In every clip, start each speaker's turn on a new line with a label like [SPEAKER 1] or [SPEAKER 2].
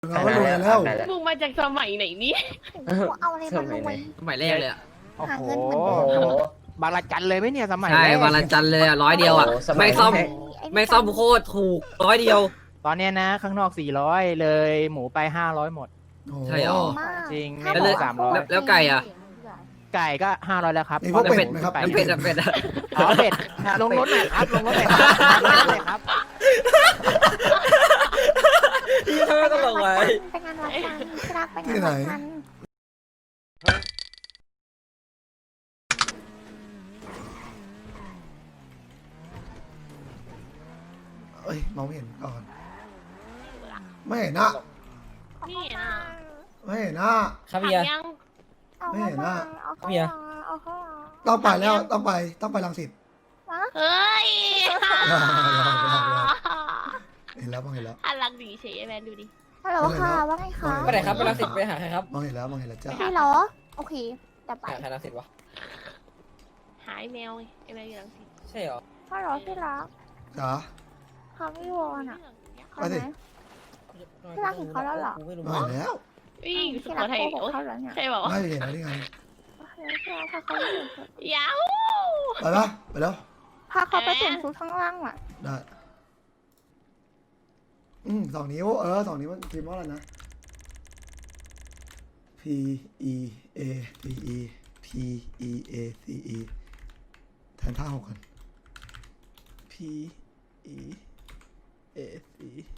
[SPEAKER 1] เราก็รวยแล้ว
[SPEAKER 2] มึงมาจากสมัยไหนเนี่ย
[SPEAKER 3] เอาอะไรมารวย
[SPEAKER 4] สมัยแรกเลยอ่ะ
[SPEAKER 3] หาเงินเหมือนเดิม
[SPEAKER 5] บางระจันเลยไหมเนี่ยสมัย
[SPEAKER 4] ใช่
[SPEAKER 5] แรก
[SPEAKER 4] วันละจันเลยอ่ะ100 อ่ะ ไม่ซ่อมโคตรถูก100
[SPEAKER 5] ตอนเนี้ยนะข้างนอก400เลยหมูไป500หมด
[SPEAKER 4] ใช่เหรอ
[SPEAKER 3] มาก
[SPEAKER 5] จริง
[SPEAKER 3] ถ้า
[SPEAKER 5] ไม่
[SPEAKER 3] บ
[SPEAKER 5] ได้
[SPEAKER 3] อก
[SPEAKER 5] 300
[SPEAKER 4] แล้วไก่อ่ะ
[SPEAKER 5] ไก่ก็500แล้วครับ
[SPEAKER 1] มีพวกเป็ด
[SPEAKER 5] พ
[SPEAKER 1] ไหมครับ
[SPEAKER 4] แล้วเป็ดอ่ะเป็ดอ่ะ
[SPEAKER 5] อ๋อเป็ดลงรถหน่อยครับลงรถหน่อยครับลงรถหน่อยครับ
[SPEAKER 4] ที่เขาไม่ต้องลงไว้
[SPEAKER 3] ไปงานวัดกันที่รักไปงาน
[SPEAKER 1] ที่ไหน
[SPEAKER 3] วัดกัน
[SPEAKER 1] เอ้ยมองไม่เห็นก่อน ไม่เห็นนะ
[SPEAKER 2] นี่อ่ะ
[SPEAKER 1] ไม่เห็นนะ
[SPEAKER 4] ครับเบียร์
[SPEAKER 2] ยัง
[SPEAKER 3] เอา
[SPEAKER 1] ไม่เห็นอะ
[SPEAKER 3] เอาเข้า
[SPEAKER 4] เบียร์
[SPEAKER 3] มาเอาเข้ามา
[SPEAKER 1] ต้องไปแล้วต้องไปรังสิต
[SPEAKER 3] วะ
[SPEAKER 2] เฮ้ย
[SPEAKER 1] เห็นแล้วมองเห็นแล้ว
[SPEAKER 2] อันลังดีเฉยแมนดูดิ
[SPEAKER 3] ฮัลโหลค่ะว่าไงคะ
[SPEAKER 4] ไปไหนครับไปรังสิตไปหาใครครับ
[SPEAKER 1] มองเห็นแล้วจ้า
[SPEAKER 3] พี่เหรอโอเคแต่ไป
[SPEAKER 4] หาใครรังสิตวะ
[SPEAKER 2] หายแมวไงไอ้แมวอยู่ลังสิต
[SPEAKER 4] ใช่เหรอ
[SPEAKER 3] ฮัลโหลที่รัก
[SPEAKER 1] จ๋า
[SPEAKER 3] เขาไม่วอนอ่ะเขา
[SPEAKER 1] ไป
[SPEAKER 3] ไห
[SPEAKER 1] สิ
[SPEAKER 3] ม พี่รักเห็นเขาแล้วเหรอ
[SPEAKER 4] กูไม่รู้
[SPEAKER 1] มองเห็นแล้ว
[SPEAKER 2] วิ่งสุ
[SPEAKER 3] ที่
[SPEAKER 2] โข
[SPEAKER 3] รัก
[SPEAKER 2] ทัย
[SPEAKER 3] โกหก
[SPEAKER 2] โอ้ย
[SPEAKER 3] เขาแล้วเนี่ย
[SPEAKER 2] ใช่เปล่าวะ
[SPEAKER 1] ไม่เห็นแล้วนี่ไง
[SPEAKER 3] โอเคที่รักพาเขาไปเปลี่ยนชุด
[SPEAKER 2] ยาว
[SPEAKER 1] ไปปะไปแล้ว
[SPEAKER 3] พาเขาไปเปลี่ยนชุดข้างล่างอ่ะ
[SPEAKER 1] ได้2 นิ้ว2 นิ้วมันพิมพ์ว่าอะไรนะ P E A P E P E A C E แทนท่า6กัน P E A C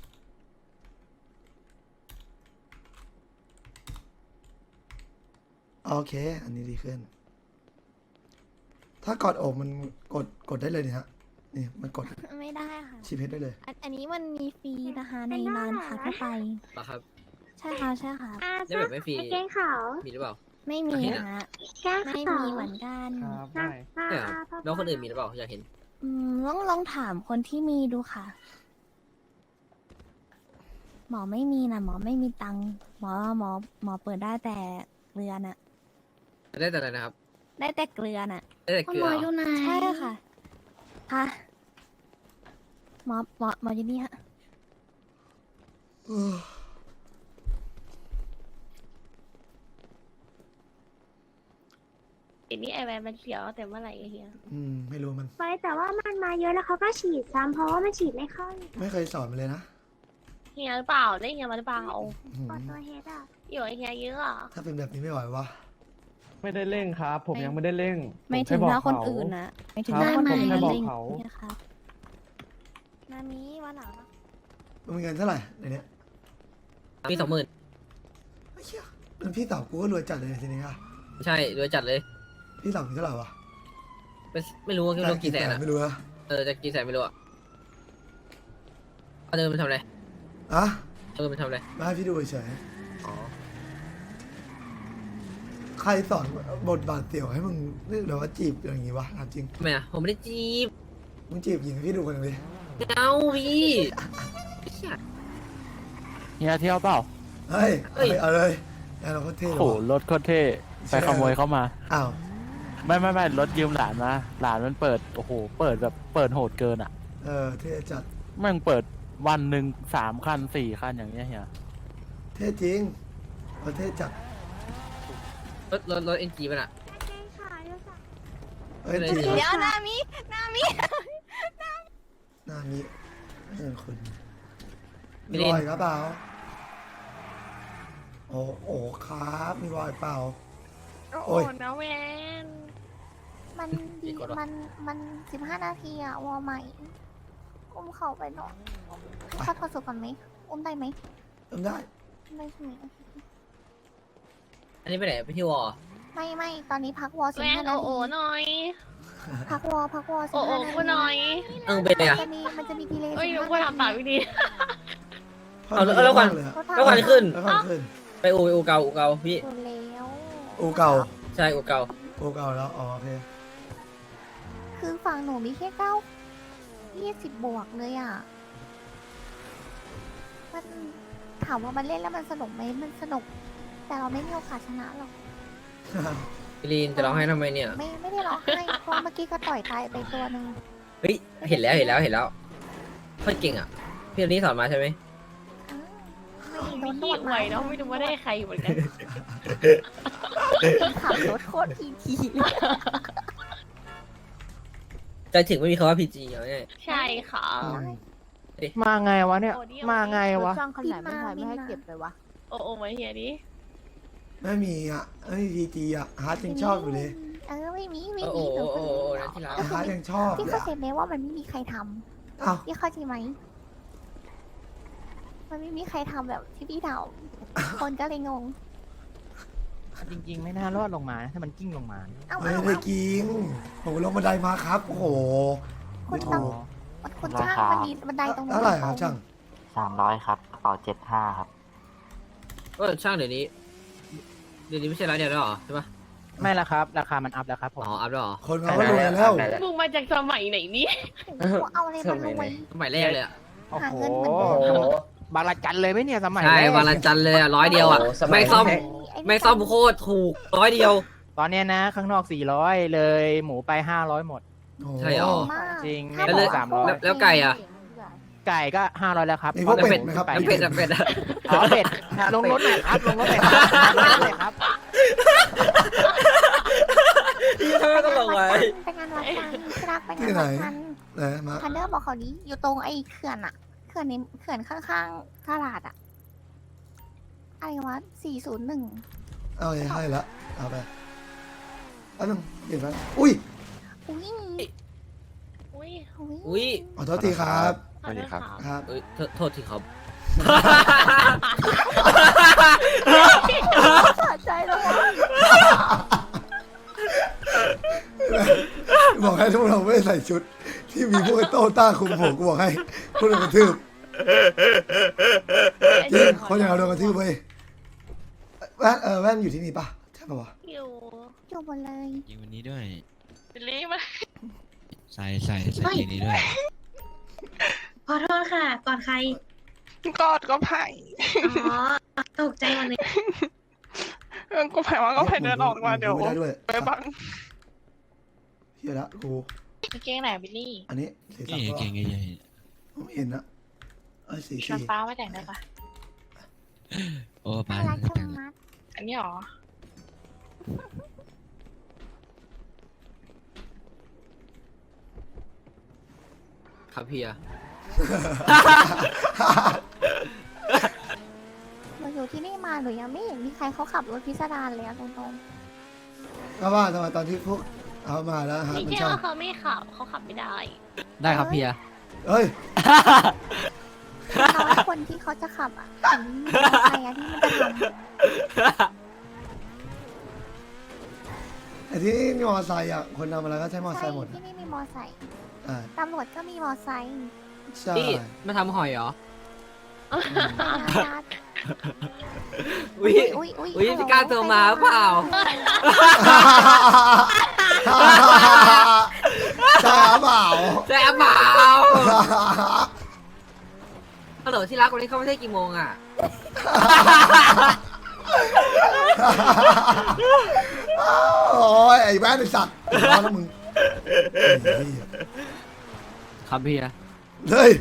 [SPEAKER 1] โอเค อันนี้ดีขึ้น ถ้ากดอกมันกดได้เลยเนี่ยฮะ นี่มันกด
[SPEAKER 3] ไม่ได้ค่ะ
[SPEAKER 1] ชีพเพชรได้เลย
[SPEAKER 3] อันนี้มันมีฟรีนะคะในร้านค่ะทั่วไป
[SPEAKER 4] เหรอครับ
[SPEAKER 3] ใช่ค่ะใช่ค่ะ
[SPEAKER 4] ได้แบบไม่ฟรี
[SPEAKER 6] เกงขาว
[SPEAKER 4] มีหรือเปล่า
[SPEAKER 3] ไม่มี
[SPEAKER 4] เห็นอะ
[SPEAKER 3] ฮะ
[SPEAKER 6] แก้ง
[SPEAKER 3] ไม่
[SPEAKER 6] ขาว
[SPEAKER 3] มีเหมือนกัน
[SPEAKER 5] ครับ
[SPEAKER 6] หน้า
[SPEAKER 5] ได้
[SPEAKER 6] หน้า
[SPEAKER 4] ใช่เหรอ
[SPEAKER 6] พ่อ
[SPEAKER 4] แล้วคนอื่นมีหรือเปล่าอยากเห็น
[SPEAKER 3] ลองถามคนที่มีดูค่ะ หมอไม่มีนะหมอไม่มีตังค์หมอเปิดได้แต่เกลือน่ะ
[SPEAKER 4] ได้แต่อะไรนะครับ
[SPEAKER 3] ได้แต่เกลือน่ะ
[SPEAKER 4] ได้แต่เกลือเหรอ
[SPEAKER 3] ใช่ค่ะค่ะหมออยู่นี่ฮะ
[SPEAKER 2] ไอ้นี่ไอแมนมันเสียวแต่เมื่อไหร่ไอ้เฮีย
[SPEAKER 1] ไม่รู้มัน
[SPEAKER 6] ไปแต่ว่ามันมาเยอะแล้วเขาก็ฉีดซ้ำเพราะว่ามันฉีดไม่เข้า
[SPEAKER 1] ไม่เคยสอนมันเลยนะ
[SPEAKER 2] เฮียหรือเปล่าได้เฮียมาหรือเปล่า
[SPEAKER 1] อื้อ
[SPEAKER 6] ปอ
[SPEAKER 1] หือ
[SPEAKER 6] ตัวเฮดอ่ะ
[SPEAKER 2] อยู่ไอ้เฮียเยอะอ่ะ
[SPEAKER 1] ถ้าเป็นแบบนี้ไม่ไหววะ
[SPEAKER 7] ไม่ได้เร่งครับ ผมยังไม่ได้เร่ง
[SPEAKER 3] ไม่ถึง
[SPEAKER 7] ผแค่
[SPEAKER 3] ถ้า
[SPEAKER 7] บอก
[SPEAKER 3] คน
[SPEAKER 7] เข
[SPEAKER 3] อื่นนะไม่ถึง
[SPEAKER 7] ครับ
[SPEAKER 3] ถ้าคนอื่น
[SPEAKER 7] ผมแค่
[SPEAKER 3] นะ
[SPEAKER 7] บอก
[SPEAKER 3] เร่ง
[SPEAKER 7] เขา
[SPEAKER 3] เนี่ยครับนามิวันหลังนะ
[SPEAKER 1] มึงมีเงินเท่าไหร่ในเนี้ย
[SPEAKER 4] มี20,000
[SPEAKER 1] ไอ้เหี้ยมันพี่สาวกูก็รวยจัดเลยทีนี้อะ
[SPEAKER 4] ใช่รวยจัดเลย
[SPEAKER 1] พี่สาวมีเท่าไหร่วะ
[SPEAKER 4] ไม่รู้ว่าคิดว่ากี่แสนอะ
[SPEAKER 1] ไม่รู้นะ
[SPEAKER 4] จะกี่แสนไม่รู้อะเอาเดินไปทำอะไร
[SPEAKER 1] อะ
[SPEAKER 4] ไปทำอะไร
[SPEAKER 1] มาให้พี่ดูเฉย
[SPEAKER 4] อ๋อ
[SPEAKER 1] ๆใครสอนบทบาทเสี่ยวให้มึงนี่หรือว่าจีบอย่างงี้วะถามจริง
[SPEAKER 4] ทำไมอะผมไม่ได้จีบ
[SPEAKER 1] มึงจีบหญิงให้พี่ดูคนหนึงดิ
[SPEAKER 4] ไม่เอาพี่เหี้ย
[SPEAKER 5] เฮียเที่ยวเปล่า
[SPEAKER 1] เฮ้ย
[SPEAKER 4] เฮ้ย
[SPEAKER 1] เอาเลยเอาเราก็เท่
[SPEAKER 5] โอ้
[SPEAKER 1] เลย
[SPEAKER 5] โหรถโคตรเท่ไปขโมยเข้ามา
[SPEAKER 1] อ้าว
[SPEAKER 5] ไม่รถยืมหลานมาหลานมันเปิดโอ้โหเปิดแบบเปิดโหดเกินอ่ะ
[SPEAKER 1] เท่จัด
[SPEAKER 5] แม่งเปิดวันหนึ่ง3 คัน 4 คันอย่างเงี้ยเฮีย
[SPEAKER 1] เท่จริงเท่จัด
[SPEAKER 4] รถ NG ป่ะน่ะ
[SPEAKER 6] เกงขาวด้วยค่ะ
[SPEAKER 1] เอ้ยจริงเหรอ
[SPEAKER 3] เดี๋ยวนามิ
[SPEAKER 1] หน้ามีเงินคุณ
[SPEAKER 4] มิ
[SPEAKER 1] มี
[SPEAKER 4] ลิ
[SPEAKER 1] ร
[SPEAKER 4] น
[SPEAKER 1] อยครับเปล่าโอ้ครับมีรอยเปล่า
[SPEAKER 2] โอ้
[SPEAKER 1] โอ้ย
[SPEAKER 2] นะแมน
[SPEAKER 3] มันดี
[SPEAKER 4] กดวะ
[SPEAKER 3] มัน15 นาทีอะวอใหม่อุ้มเขาไปหน่อยเข้าทอสุก่อนไหมอุ้มได้ไหม
[SPEAKER 1] ทำได้
[SPEAKER 3] ได้ใช่ไหม
[SPEAKER 4] อันนี้ไปไหนไปที่วอ
[SPEAKER 3] ไม่ตอนนี้พักวอ
[SPEAKER 2] แมน
[SPEAKER 3] 15 นา
[SPEAKER 2] โอ้
[SPEAKER 3] ที
[SPEAKER 2] หน่อย
[SPEAKER 3] พักวอ
[SPEAKER 2] โอ้
[SPEAKER 3] 15นาที
[SPEAKER 2] กูหน่อย
[SPEAKER 4] เป็นไงอะ
[SPEAKER 3] มันจะมีดีเลย์
[SPEAKER 2] เอ้ย
[SPEAKER 3] 15
[SPEAKER 2] กูทำตามวิธี
[SPEAKER 4] เอาแล้วก่อน
[SPEAKER 1] เลยอะ
[SPEAKER 4] แล้ววันขึ้น
[SPEAKER 1] แล้ววันขึ้น
[SPEAKER 4] ไปอูเก่าพี่
[SPEAKER 3] หมดแล้ว
[SPEAKER 1] อูเก่า
[SPEAKER 4] ใช่อูเก่า
[SPEAKER 1] อูเก่าแล้วอ๋อโอเค
[SPEAKER 3] คือฝั่งหนูมีแค่20 บวกเลยอ่ะ มันถามว่ามันเล่นแล้วมันสนุกไหมมันสนุก แต่เราไม่มีโอกาสชนะหรอก
[SPEAKER 4] มิลินจะร้องให้ทำไมเนี่ย
[SPEAKER 3] ไม่ได้ร้องไห้เพราะเมื่อกี้ก็ต่อยตายไปตัวหนึ่ง
[SPEAKER 4] เฮ้ยเห็นแล้วโคตรเก่งอ่ะพี่คนนี้สอนมาใช่ไหม
[SPEAKER 3] อ้าวไม่โดนน
[SPEAKER 2] ขี้
[SPEAKER 3] วด
[SPEAKER 2] ไหว
[SPEAKER 3] มา
[SPEAKER 2] เนาะไม่รู้ว่าได้ใครเหมือนกัน
[SPEAKER 3] ขับรถโคตรทีเลย
[SPEAKER 4] ใจถึงไม่มีคำว่าพีจีเอาง่าย
[SPEAKER 2] ใช่ค่ะ
[SPEAKER 5] มาไงวะเนี่ย
[SPEAKER 2] โอ้ดิ
[SPEAKER 5] มาไงวะ
[SPEAKER 8] ช่างคันไหนไม่ถ่ายไม่ให้เก็บไปวะ
[SPEAKER 2] โอ้มาเฮียดิ
[SPEAKER 1] ไม่มีอ่ะไม่มีพีจีอ่ะฮาร์ดยังชอบอยู่เลย
[SPEAKER 3] ไม่มี
[SPEAKER 4] โอ้โหโอ้โหนั่นที่รัก
[SPEAKER 1] ฮาร์ดยังชอบ
[SPEAKER 3] พี่
[SPEAKER 1] เลย
[SPEAKER 3] เข้า
[SPEAKER 1] อะ
[SPEAKER 3] ใจไหมว่ามันไม่มีใครท
[SPEAKER 1] อ้าว
[SPEAKER 3] ำพี่เข้าใจไหมมันไม่มีใครทำแบบที่พี่ทำคนก็เลยงง
[SPEAKER 5] จริง ๆ ไม่น่ารอดลงมานะถ้ามันกิ้งลงมา
[SPEAKER 1] ไม่ได้กินผมลงบันไดมาครับโอ้โห
[SPEAKER 3] คุณ
[SPEAKER 1] ไม่
[SPEAKER 3] ต้อง
[SPEAKER 1] ถูก
[SPEAKER 3] คุณช่างมันมีบันไดตรงนู้น
[SPEAKER 1] เท่าไหร่ครับช่าง
[SPEAKER 9] 300 ครับกระเป๋า75 ครับ
[SPEAKER 4] ช่างเดี๋ยวนี้ไม่ใช่ร้านเดียวแล้วเหรอใช่ปะ
[SPEAKER 5] ไม่ละครับ ราคามันอัพแล้วครับผม
[SPEAKER 4] อ๋ออัพแล้วเหรอ
[SPEAKER 1] คนเขาก็รวยแล้ว
[SPEAKER 2] มึงมาจากสมัยไหนเนี่ย
[SPEAKER 3] เอาอะไรมารวย
[SPEAKER 4] สมัยแรกเลยอะ
[SPEAKER 5] โอ้
[SPEAKER 3] หา
[SPEAKER 5] โห
[SPEAKER 3] เงินเหมือนเดิม
[SPEAKER 5] บางระจันเลยไหมเนี่ยสมัย
[SPEAKER 4] ใช่
[SPEAKER 5] แรก
[SPEAKER 4] วันละจันทร์เลยอะ100 เดียวอะไม่ซ่อมโคตรถูก100 เดียว
[SPEAKER 5] ตอนเนี้ยนะ ข้างนอก 400 เลยหมูไป 500 หมด
[SPEAKER 1] โอ้โห
[SPEAKER 4] ใช่เหรอ
[SPEAKER 3] มาก
[SPEAKER 5] จริง
[SPEAKER 3] ถ้า
[SPEAKER 5] แล้ว
[SPEAKER 3] บอก
[SPEAKER 5] เลย300
[SPEAKER 4] แล้วไก่อะ
[SPEAKER 5] ไก่ก็ 500 แล้วครับ
[SPEAKER 1] มีพวก
[SPEAKER 4] แล้ว
[SPEAKER 1] เป็
[SPEAKER 4] เป็
[SPEAKER 1] ด
[SPEAKER 4] ด
[SPEAKER 1] ไหมครับ
[SPEAKER 4] แล้วเป็ดอะเป็ดอะ
[SPEAKER 5] อ๋อเป็ดลงรถหน่อยครับ ลงรถหน่อยครับลงรถหน่อยครับ
[SPEAKER 4] ตลกไว้
[SPEAKER 3] ไปงานวัดกันที่รักไปงา
[SPEAKER 1] ที่
[SPEAKER 3] น
[SPEAKER 1] ไหน
[SPEAKER 3] วัดกัน
[SPEAKER 1] ไหนมา
[SPEAKER 3] ทันเดอร์บอกเขานี้อยู่ตรงไอ้เขื่อนอะเขื่อนในเขื่อนข้างๆตลาดอะอะไรวะ401
[SPEAKER 1] เอาให้ละเอาไปอันนึงเห็นไหมอุ้ย
[SPEAKER 3] อุ้ย
[SPEAKER 2] อุ้ย
[SPEAKER 4] อุ้ย
[SPEAKER 1] ขอโทษทีครับ
[SPEAKER 2] สวัสดีครับ
[SPEAKER 1] ครับ
[SPEAKER 4] เอ้ยโทษทีครับ
[SPEAKER 3] สะใจแล้ววะ
[SPEAKER 1] บอกให้ทุกเราไม่ใส่ชุด ที่มีพวกไอ้โต้ต้าคุมผมกูบอกให้พวกเรากระทืบจริงคนอย่างเราโดนกระทืบเว้ยแว่นอยู่ที่นี่ปะใช่ปะวะ
[SPEAKER 2] อยู่
[SPEAKER 3] อยู่บนเลย
[SPEAKER 9] ยิงวันนี้ด้วย
[SPEAKER 2] บิลลี่มา
[SPEAKER 9] ใส่เพลงนี้ด้วย
[SPEAKER 6] ขอโทษค่ะ ก่อนใคร
[SPEAKER 10] กอดก็ไผ่
[SPEAKER 6] อ๋อ ตกใจหมดเลย
[SPEAKER 10] ก็ไผ่ว่าก็ไผ่เดินออกมาเดี๋ยว
[SPEAKER 1] ไม่ได้ด้วย
[SPEAKER 10] ไปบัง
[SPEAKER 1] เฮียละกู
[SPEAKER 2] กางเกงไหนบิลลี่
[SPEAKER 1] อันนี้สีสั
[SPEAKER 9] นี่
[SPEAKER 1] นก็
[SPEAKER 9] เก่งใหญ่
[SPEAKER 1] ไม่เห็นนะสี
[SPEAKER 2] ชวนป้ามาแต่งได้ปะ
[SPEAKER 9] ๆโอ้ปา
[SPEAKER 3] น่ารัก
[SPEAKER 9] แต่
[SPEAKER 3] จั
[SPEAKER 9] ง
[SPEAKER 3] งมัด
[SPEAKER 2] อันนี้หรอ
[SPEAKER 4] ครับเพีย
[SPEAKER 3] หนูอยู่ที่นี่มาหนูยังไม่เห็นมีใครเขาขับรถพิสดารเลยอะตรง
[SPEAKER 1] ก็ว่าทำไมตอนที่พวกเอามาแล้วฮะ
[SPEAKER 2] ไม่
[SPEAKER 1] มัน
[SPEAKER 2] ใช่
[SPEAKER 1] ชอบ
[SPEAKER 2] ว่าเขาไม่ขับเขาขับไม่ได้
[SPEAKER 4] ได้ครับเพีย
[SPEAKER 1] เฮ้ย
[SPEAKER 3] ๆน้อยคนที่เขาจะขับอะเห็นมีมอเตอร์ไซค์อะที่มันจะท
[SPEAKER 1] ไอ้ที่นี่มอไซค์อ่ะคนทำอะไรก็ใช้มอ
[SPEAKER 3] ำ
[SPEAKER 1] ไซ
[SPEAKER 3] ใช่
[SPEAKER 1] ค์หมด
[SPEAKER 3] ที่นี่มีมอไซค์
[SPEAKER 1] อ่า
[SPEAKER 3] ตำรวจก็มีมอไซค์
[SPEAKER 1] ใช่
[SPEAKER 4] นี่มาทำหอยเหรอ
[SPEAKER 3] อุ้ย
[SPEAKER 4] อุ้ย
[SPEAKER 3] อุ้ย
[SPEAKER 4] อุ๊ย
[SPEAKER 3] ฮัลโหล
[SPEAKER 4] พี่ก้าวโทรมาเปล่า
[SPEAKER 1] ใช่เปล่า
[SPEAKER 4] แจ๊บเปล่าฮัลโหลที่รักวันนี้เขาไม่ใช่กี่โมงอ่ะ
[SPEAKER 1] โอ้ยไอ้แว่นไอ้สัตว์ร้อนแล้วมึงไอ้เหี้ย
[SPEAKER 4] ครับเพีย
[SPEAKER 1] เฮ้ย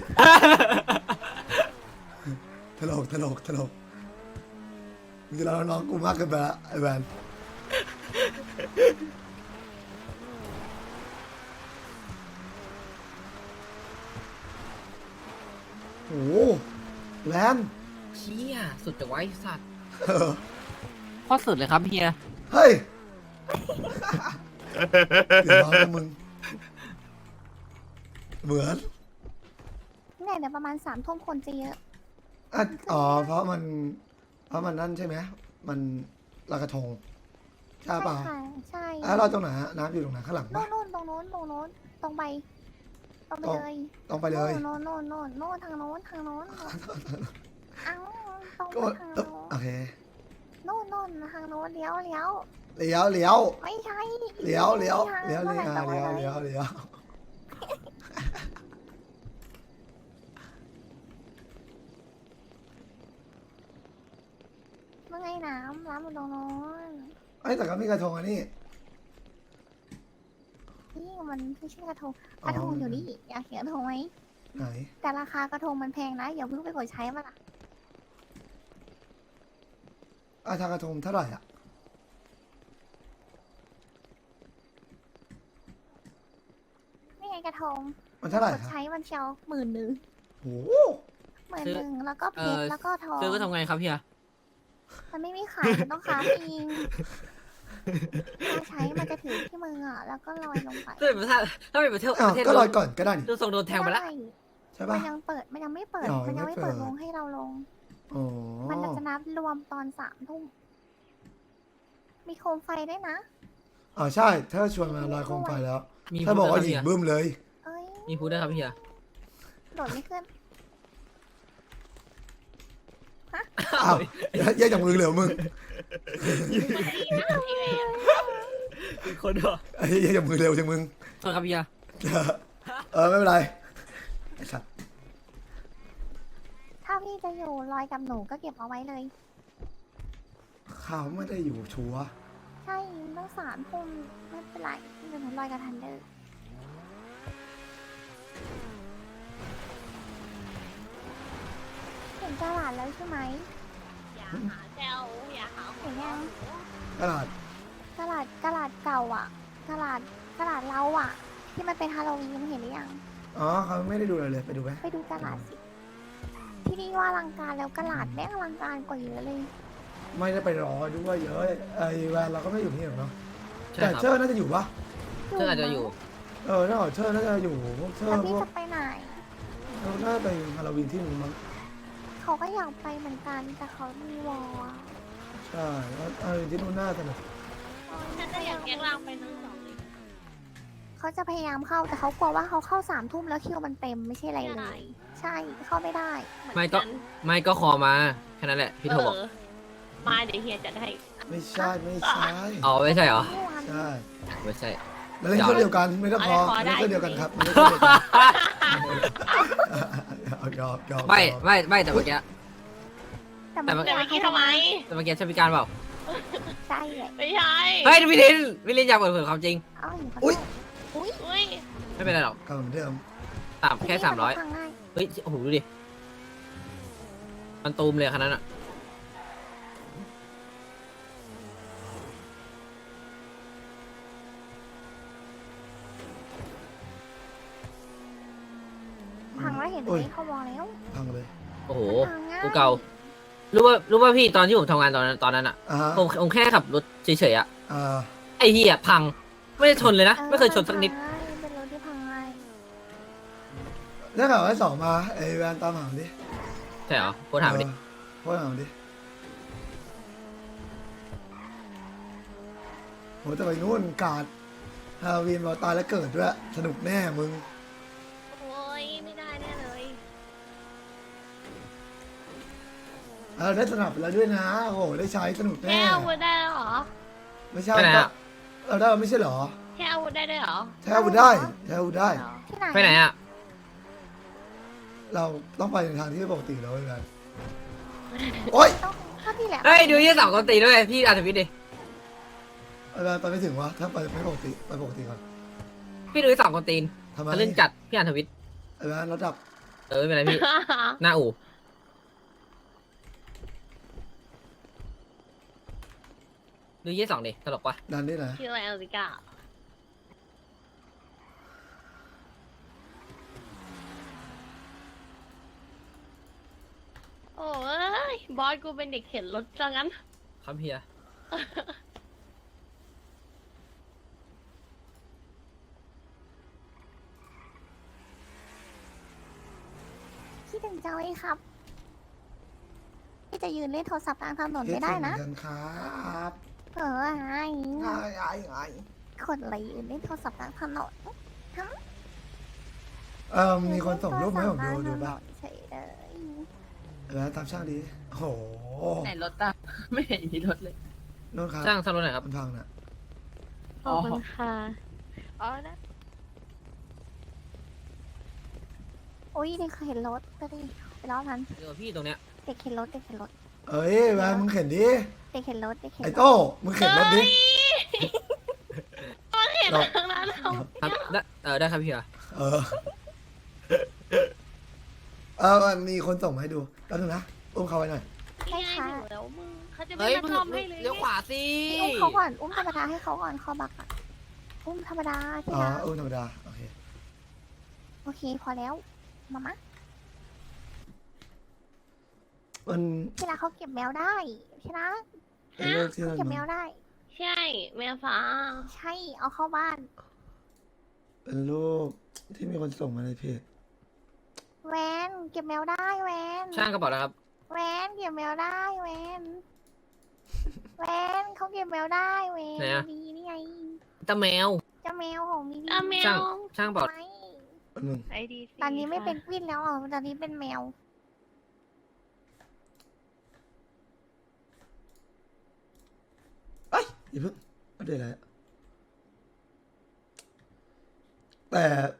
[SPEAKER 1] ตลกมึงจะเล่าน้องกูมากเกินไปละไอ้แวนโอ้โหแวน
[SPEAKER 4] เชี่ยสุดจะไว้สัตว์
[SPEAKER 1] เออ
[SPEAKER 4] โคตรสุดเลยครับเพีย
[SPEAKER 1] เฮ้ยเดี๋ยวร้อนนะมึงเหมือน
[SPEAKER 3] เนี่ยเดี๋ยวประมาณ3 ทุ่มคนจะเยอะ
[SPEAKER 1] อ่ะอ๋อเพราะมันนั่นใช่ไหมมันลอยกระทงใช่เปล่า
[SPEAKER 3] ค่ะใช่
[SPEAKER 1] อ่ะเราตรงไหนฮะน้ำอยู่ตรงไหนข้างหลัง
[SPEAKER 3] โน่
[SPEAKER 1] ปะ
[SPEAKER 3] นตรงโน้นตรงไปเลย
[SPEAKER 1] ตรงไปเลย
[SPEAKER 3] โน่นทางโน้นเอ้าตรง
[SPEAKER 1] ก็
[SPEAKER 3] ไปทางโน้น
[SPEAKER 1] โอเค
[SPEAKER 3] โน่นทางโน้นเลี้ยว
[SPEAKER 1] เลี้ยว
[SPEAKER 3] ไม่ใช่
[SPEAKER 1] เลี้ยว
[SPEAKER 3] โน่นแหละตรงไปเลย เมื่อไงน้ำอยู่ตรงโน้น
[SPEAKER 1] ไอ้ยแต่ก็มีกระทงอันนี้
[SPEAKER 3] นี่มันไม่ใช่กระทงกระทงอยู่นี่อยากเห็นกระทงไหม
[SPEAKER 1] ไหน
[SPEAKER 3] แต่ราคากระทงมันแพงนะอย่าเพิ่งไปกดใช้มันล่ะ
[SPEAKER 1] อาทางกระทงเท่าไหร่อ่ะ
[SPEAKER 3] นี่ไงกระทง
[SPEAKER 1] มันเท่าไหร่
[SPEAKER 3] กด
[SPEAKER 1] ครับ
[SPEAKER 3] ใช้วันเชียว11,000
[SPEAKER 1] โอ้โห
[SPEAKER 3] 11,000แล้วก็เพชรแล้วก็ทอง
[SPEAKER 4] ซื้อก็ทำไงครับเฮีย
[SPEAKER 3] มันไม่มีขายมันต้องค้าเองถ้าใช้มันจะถือที่มืออ่ะแล้วก็ลอยลงไป
[SPEAKER 4] ถ้าเป็นประเทศ
[SPEAKER 1] อ้าว
[SPEAKER 4] ประเทศ
[SPEAKER 1] ก็ลอยก่อนก็ได้นี่
[SPEAKER 4] ดูทรงโดนแทงไปแล้ว
[SPEAKER 3] ได้
[SPEAKER 1] ใช่
[SPEAKER 3] มั
[SPEAKER 1] ปะ
[SPEAKER 3] นยังเปิดมันยังไม่เปิด
[SPEAKER 1] อ๋อ
[SPEAKER 3] มันยังไม่เปิด
[SPEAKER 1] ไม่เปิด
[SPEAKER 3] วงให้เราลง
[SPEAKER 1] อ๋อ
[SPEAKER 3] มันจะนับรวมตอน3 ทุ่มมีโคมไฟด้วยนะ
[SPEAKER 1] อ๋อใช่ถ้าชวนมาลอยโคมไฟแล้ว
[SPEAKER 4] มี
[SPEAKER 1] ถ้าบอกว่า
[SPEAKER 4] พูด
[SPEAKER 1] หญิ
[SPEAKER 4] ได้
[SPEAKER 1] ง
[SPEAKER 4] ครับ
[SPEAKER 1] บึ้มเลย
[SPEAKER 3] เอ้ย
[SPEAKER 4] เฮียมีพูดได้ครับเฮีย
[SPEAKER 3] โดดไม่ขึ้น
[SPEAKER 1] อ้าวแยกจากมือเหลือมึง
[SPEAKER 4] อีกคนเหรอ
[SPEAKER 1] ไอ้แยกจากมือเร็วจังมึง
[SPEAKER 4] โทษครับเฮีย
[SPEAKER 1] ไม่เป็นไรไอ้สัตว์
[SPEAKER 3] ถ้าพี่จะอยู่ลอยกับหนูก็เก็บเอาไว้เลย
[SPEAKER 1] ข่าวไม่ได้อยู่ชัวร์
[SPEAKER 3] ใช่ต้อง3 ทุ่มไม่เป็นไรเดี๋ยวหนูลอยกับทันเดอร์เห็นตลาดแล้วใช่ไหม
[SPEAKER 2] อย่าหาแซวอย่าหา
[SPEAKER 3] เห็นยัง
[SPEAKER 1] ตลาด
[SPEAKER 3] ตลาดเก่าอ่ะตลาดเราอ่ะ ที่มันเป็นฮาโลวีนเห็นหรือยัง
[SPEAKER 1] อ๋อเขาไม่ได้ดูเลย ไปดูไหม
[SPEAKER 3] ไปดูตลาดสิ ที่นี่ว่าอลังการแล้วตลาดแม่งอลังการกว่าเยอะเลย
[SPEAKER 1] ไม่ได้ไปรอด้วยเยอะไอ้แวนเราก็ไม่อยู่นี่หรอกเนาะ
[SPEAKER 4] ใช่
[SPEAKER 1] แต่
[SPEAKER 4] ครับ
[SPEAKER 1] เชอร์น่าจะอยู่ปะ
[SPEAKER 4] เชื่ออาจจะอยู่
[SPEAKER 1] ถ้าเชอร์น่าจะอยู่พวกเชอ
[SPEAKER 3] แล้ว
[SPEAKER 1] ร์พ
[SPEAKER 3] พี่
[SPEAKER 1] วก
[SPEAKER 3] จะไปไหน
[SPEAKER 1] เราน่าไปฮาโลวีนที่นึงมั้ง
[SPEAKER 3] เขาก็อยากไปเหมือนกันแต่เขามีวอลอะ
[SPEAKER 1] ใช่แล้วฮาโลวีนที่นู่นน่าสนุก
[SPEAKER 2] ฉันจะอยากแยกร่างไปทั้งสองเลย
[SPEAKER 3] เขาจะพยายามเข้าแต่เขากลัวว่าเขาเข้า3 ทุ่มแล้วคิวมันเต็มไม่ใช่อะไรเลย ใช่เข้าไม่ได้
[SPEAKER 4] ไม่ก็คอมาแค่นั้นแหละพี่โทบอก
[SPEAKER 2] มาเดี๋ยวเฮียจะให้
[SPEAKER 1] ไม่ใช่
[SPEAKER 4] อ๋อไม่ใช่เหรอ
[SPEAKER 1] ใช่
[SPEAKER 4] ไม่ใช่
[SPEAKER 1] แล้วเล่นเครื่องเดียวกันไม่ต้องพอเล่นเครื่องเดียวกันครับไม่ได้เครื่องเดียวกันเอายอม
[SPEAKER 4] ไม่แต่เมื่อกี้
[SPEAKER 3] แต่
[SPEAKER 4] แต่
[SPEAKER 3] มัน
[SPEAKER 2] แต่เมื่อกี้ทำไม
[SPEAKER 4] แต่เมื่อกี้ใช่พิการเปล่า
[SPEAKER 3] ใช่เลย
[SPEAKER 2] ไม่ใช่
[SPEAKER 4] เฮ้ยพี่ลินอยากเปิดเผยความจริง
[SPEAKER 3] เอ้าอยู่ข้าง
[SPEAKER 1] อุ้ย
[SPEAKER 2] อุ้ย
[SPEAKER 4] ไม่เป็นไรหรอก
[SPEAKER 1] กลับเหมือนเดิม
[SPEAKER 4] แค่300
[SPEAKER 3] ทางง่าย
[SPEAKER 4] เฮ้ยโอ้โหดูดิมันตูมเลยขนาดนั้นอ่ะ
[SPEAKER 3] พังแล้วเห็นไห
[SPEAKER 1] โอ้
[SPEAKER 3] ม
[SPEAKER 1] ย
[SPEAKER 3] เขาวอลแล้ว
[SPEAKER 1] พังเลย
[SPEAKER 4] โอ้โห
[SPEAKER 3] พังง่าย
[SPEAKER 4] กูเก่ารู้ว่าพี่ตอนที่ผมทำงานตอนนั้นอ่ะ
[SPEAKER 1] อ่า
[SPEAKER 4] ผมแค่ขับรถเฉยๆอ่ะ
[SPEAKER 1] อ่า
[SPEAKER 4] ไอ้เหี้ยพังไม่ได้ชนเลยนะไม่เคยชนสักนิด
[SPEAKER 3] พังง่ายเป็นรถที่พังง่าย
[SPEAKER 1] ถ้าเกิดว่า2มาไอ้แวนตามหาดิ
[SPEAKER 4] ใช่เหรอโคตรถามดิ
[SPEAKER 1] โคตรถามดิโหจะไปนู่นกาดฮาโลวีนเราตายแล้วเกิดด้วยสนุกแน่มึง
[SPEAKER 2] โอ้ยไม่ได้แน่เลย
[SPEAKER 1] ได้สนับไปแล้วด้วยนะโอ้โหได้ใช้สนุก
[SPEAKER 2] แค่
[SPEAKER 1] แน่
[SPEAKER 2] อาวุธได้เหรอ
[SPEAKER 1] ไม่ใช่
[SPEAKER 4] ไปไหน
[SPEAKER 1] ก็
[SPEAKER 4] อะ
[SPEAKER 1] เราได้ไม่ใช่เหรอ
[SPEAKER 2] แค่อาวุธได้ด้วยเหรอ
[SPEAKER 1] ใช้อาวุธได้ใช้อาวุธได้
[SPEAKER 3] ที่ไหน
[SPEAKER 4] ไปไหนอ่ะ
[SPEAKER 1] เราต้องไปในทางที่ปกติแล้วไอ้แวนโอ๊ย
[SPEAKER 3] ต้องถ้าพี่แหละ
[SPEAKER 4] เฮ้ยดูยี่สองคนตีด้วยพี่อาร์ทวิทดิ
[SPEAKER 1] ไอ้แวนไปไม่ถึงวะถ้าไปไม่ปกติไปปกติก่อน
[SPEAKER 4] พี่ดูยี่สองคนตีน
[SPEAKER 1] ทำไม
[SPEAKER 4] ทะลึ่งจัดพี่อาร์ทวิท
[SPEAKER 1] ไอ้แวนระดับ
[SPEAKER 4] ไม่เป็นไรพี่ หน้าอู่ดูยี่สองดิตลกปะ
[SPEAKER 1] ดันได้นะ
[SPEAKER 2] ชื่ออะไรเอลิก้าโอ้ยบอสกูเป็นเด็กเข็นรถจังงั้น
[SPEAKER 4] ครับเฮีย
[SPEAKER 3] คิดถึงจังเลยครับพี่จะยืนเล่นโทรศัพท์กลางถนนไม่ได้นะ
[SPEAKER 1] เฮ็ดถึงกันครับ
[SPEAKER 3] ไอ้
[SPEAKER 1] ง่าย
[SPEAKER 3] คนอะไรยืนเล่นโทรศัพท์กลางถนน
[SPEAKER 1] มีคนส่งรูปมาให้ผมดูป่ะ
[SPEAKER 3] เฉยเลย
[SPEAKER 1] แล้วตามช่างดีโอ้โห
[SPEAKER 4] ไหนรถอ่ะ ไม่เห็นมีรถเลย
[SPEAKER 1] นู่นครับ
[SPEAKER 4] ช่างซ่อมรถหน่อยครับ
[SPEAKER 1] มันพังน่ะ
[SPEAKER 2] ขอบคุณค่ะอ๋อนะ
[SPEAKER 3] โอ้ยเด็กเข็นรถก็ดิไปล้อมัน
[SPEAKER 4] เดี๋ยวพี่ตรงเนี้ย
[SPEAKER 3] เด็กเข็นรถเด็กเข็นรถ
[SPEAKER 1] เอ้ยแวนมึงเข็นดิ
[SPEAKER 3] เด็กเข็นรถเด็กเข็น
[SPEAKER 1] ไอ้
[SPEAKER 3] รถ
[SPEAKER 1] โต้มึงเข็นรถดิ
[SPEAKER 2] เห็น
[SPEAKER 1] เรา
[SPEAKER 2] ทางนั้นเรา
[SPEAKER 4] ครับได้ครับพี่อะ
[SPEAKER 1] เออมันมีคนส่งมาให้ดูแป๊บนึงนะอุ้มเขาไว้หน่อย
[SPEAKER 2] พี่ให้หนูแล้วแล้วมึงเขาจะไม่
[SPEAKER 4] เฮ้ย
[SPEAKER 2] มาซ่อมให้เลย
[SPEAKER 4] เลี้ยวขวาสิ
[SPEAKER 3] อุ้มเขาก่อน อุ้มธรรมดาให้เขาก่อนเขาบักอะอุ้มธรรมดาที่
[SPEAKER 1] อ๋อ
[SPEAKER 3] รัก
[SPEAKER 1] ธรรมดาโอเค
[SPEAKER 3] โอเคพอแล้วมามะ
[SPEAKER 1] มัน
[SPEAKER 3] ที่รักเขาเก็บแมวได้ที่รัก
[SPEAKER 1] เป็นโรคที่
[SPEAKER 3] เขา
[SPEAKER 1] มัน
[SPEAKER 3] เก็บแมวได้
[SPEAKER 2] ใช่แมวฟ้า
[SPEAKER 3] ใช่เอาเข้าบ้าน
[SPEAKER 1] เป็นโรคที่มีคนส่งมาในเพจ
[SPEAKER 3] แวนเก็บแมวได้แวน
[SPEAKER 4] ช่างกระเป๋านะครับ
[SPEAKER 3] แวนเก็บแมวได้แวนแวนเขาเก็บแมวได้แวน
[SPEAKER 4] ไหนอะ
[SPEAKER 3] ดีนี่ไง
[SPEAKER 4] ตาแมว
[SPEAKER 3] เจ้าแมวของมีดี
[SPEAKER 2] ตาแม
[SPEAKER 4] ช่าง
[SPEAKER 2] ว
[SPEAKER 4] ช่างกระเป๋า
[SPEAKER 3] ไม่
[SPEAKER 1] อันหนึ่ง
[SPEAKER 2] ไอดี
[SPEAKER 3] ตอนนี้ไม่เป็นวินแล้วอ่ะตอนนี้เป็นแมว
[SPEAKER 1] เอ้ยอย่าเพิ่งอัปเดตอะไรอะแต่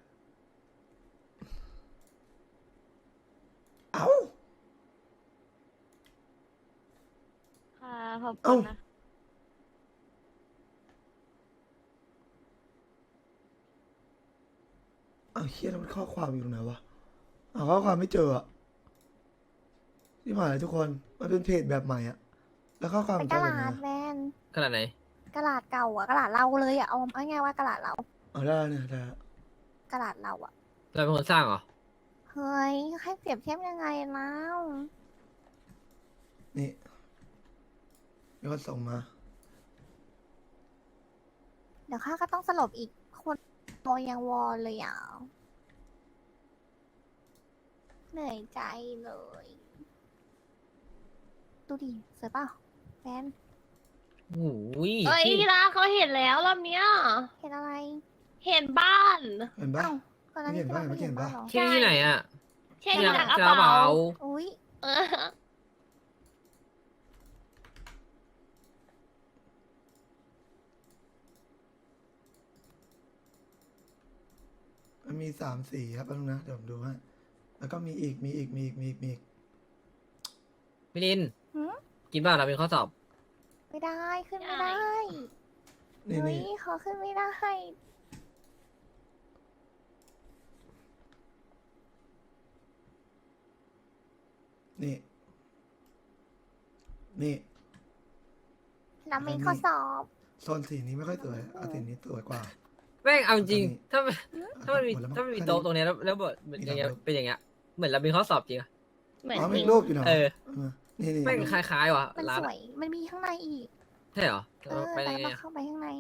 [SPEAKER 1] เอ้า
[SPEAKER 2] ค่ะขอบคุณนะ
[SPEAKER 1] เอาเฮียแล้วมันข้อความอยู่ตรงไหนวะเอาข้อความไม่เจออะที่ผ่านเลยทุกคนมันเป็นเพจแบบใหม่อะแล้วข้อความ
[SPEAKER 3] เป็
[SPEAKER 1] มัน น
[SPEAKER 3] ก
[SPEAKER 1] จะ
[SPEAKER 3] ระ
[SPEAKER 1] อะไร
[SPEAKER 3] ดาษ
[SPEAKER 1] นะ
[SPEAKER 3] แวน
[SPEAKER 4] ขนาดไหน
[SPEAKER 3] กระดาษเก่าอ่ะกระดาษเราเลยอ่ะเอาง่ายๆว่ากระดาษเรา
[SPEAKER 1] เอาได้เนี่ยได้ละ
[SPEAKER 3] กระดาษเราอ่ะ
[SPEAKER 4] เราเป็นคนสร้างเหรอ
[SPEAKER 3] เฮ้ยให้เปรียบเทียบยังไงแล้ว
[SPEAKER 1] นี่มีคนส่งมา
[SPEAKER 3] เดี๋ยวข้าก็ต้องสลบอีกคนโมยังวอลเลยอ่ะเหนื่อยใจเลย ดูดิสวยเปล่าแฟน
[SPEAKER 4] โอ้ย
[SPEAKER 2] เอ้ยที่รักเขาเห็นแล้วรอบเนี้ย
[SPEAKER 3] เห็นอะไร
[SPEAKER 2] เห็นบ้าน
[SPEAKER 1] เห็นปะ
[SPEAKER 3] เอ้าก่อนหน้านี้
[SPEAKER 1] ไม่เห็น
[SPEAKER 3] ที่
[SPEAKER 1] บ้า
[SPEAKER 3] เรา
[SPEAKER 1] น
[SPEAKER 3] ไม่
[SPEAKER 1] ไม่เห็นบ้าน
[SPEAKER 3] เห็นบ้านเหรอ
[SPEAKER 4] ที่ไหนอ่ะ
[SPEAKER 2] ใช่
[SPEAKER 4] ที่
[SPEAKER 2] ที่รักก
[SPEAKER 4] ก
[SPEAKER 2] ระ
[SPEAKER 4] ระ
[SPEAKER 2] เป๋า
[SPEAKER 4] เป๋า
[SPEAKER 3] อุ้ย
[SPEAKER 2] เออ
[SPEAKER 1] มันมี3 สีครับแป๊บนึงนะเดี๋ยวผมดูให้แล้วก็มีอีก
[SPEAKER 4] มิลิน
[SPEAKER 3] หืม
[SPEAKER 4] กินบ้างเราเป็นข้อสอบ
[SPEAKER 3] ไม่ได้ขึ้นไม่ได้
[SPEAKER 1] นี่
[SPEAKER 3] เฮ้ย
[SPEAKER 1] นี่
[SPEAKER 3] ขอขึ้นไม่ได้
[SPEAKER 1] นี่นี่
[SPEAKER 3] แล้วมีข้อสอบ
[SPEAKER 1] โซนสีนี้ไม่ค่อยสวยเอาสีนี้สวยกว่า
[SPEAKER 4] แม่งเอาจริง
[SPEAKER 1] ตอนนี้
[SPEAKER 4] ถ้ามันมี
[SPEAKER 1] หดแล้วมั้ง
[SPEAKER 4] ถ้ามันมี
[SPEAKER 1] แค่
[SPEAKER 4] โต๊ะตรงเนี้ยแล้วบทอย่างเงี้ยเป็นอย่างเงี้ยเหมือนเราเป็นข้อสอบจริงอะ
[SPEAKER 2] เหมือน
[SPEAKER 1] อ๋อ
[SPEAKER 2] จ
[SPEAKER 1] มี
[SPEAKER 2] ริง
[SPEAKER 1] รูปอยู่นะ
[SPEAKER 4] เออ
[SPEAKER 1] นี่นี่
[SPEAKER 4] แม่งคล้ายๆว่ะ
[SPEAKER 3] มัน
[SPEAKER 4] ร้าน
[SPEAKER 3] สว
[SPEAKER 4] อะ
[SPEAKER 3] ย มันมีข้างในอีก
[SPEAKER 4] ใช่เหรอ
[SPEAKER 3] เออ
[SPEAKER 4] ไป
[SPEAKER 3] แต่
[SPEAKER 4] ยังไง
[SPEAKER 3] เรา
[SPEAKER 4] อะ
[SPEAKER 3] เข้าไปข้างใน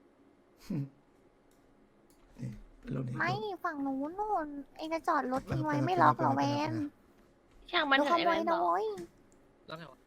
[SPEAKER 1] นี่เป็นรูปนี้
[SPEAKER 3] ไม่ฝั่งนู้นนู่นเองจะจอดรถทิ้งไว้
[SPEAKER 1] ไป
[SPEAKER 3] ไม่ล็อกเหรอ
[SPEAKER 1] ไป
[SPEAKER 3] แว
[SPEAKER 1] ไป
[SPEAKER 3] น
[SPEAKER 2] ช่างมัน
[SPEAKER 3] ดู
[SPEAKER 2] เถ
[SPEAKER 3] ข
[SPEAKER 2] อะไอ้
[SPEAKER 3] โม
[SPEAKER 2] แวย นบ
[SPEAKER 3] นะ
[SPEAKER 2] อก
[SPEAKER 3] โว้ย
[SPEAKER 4] แล้วไงวะ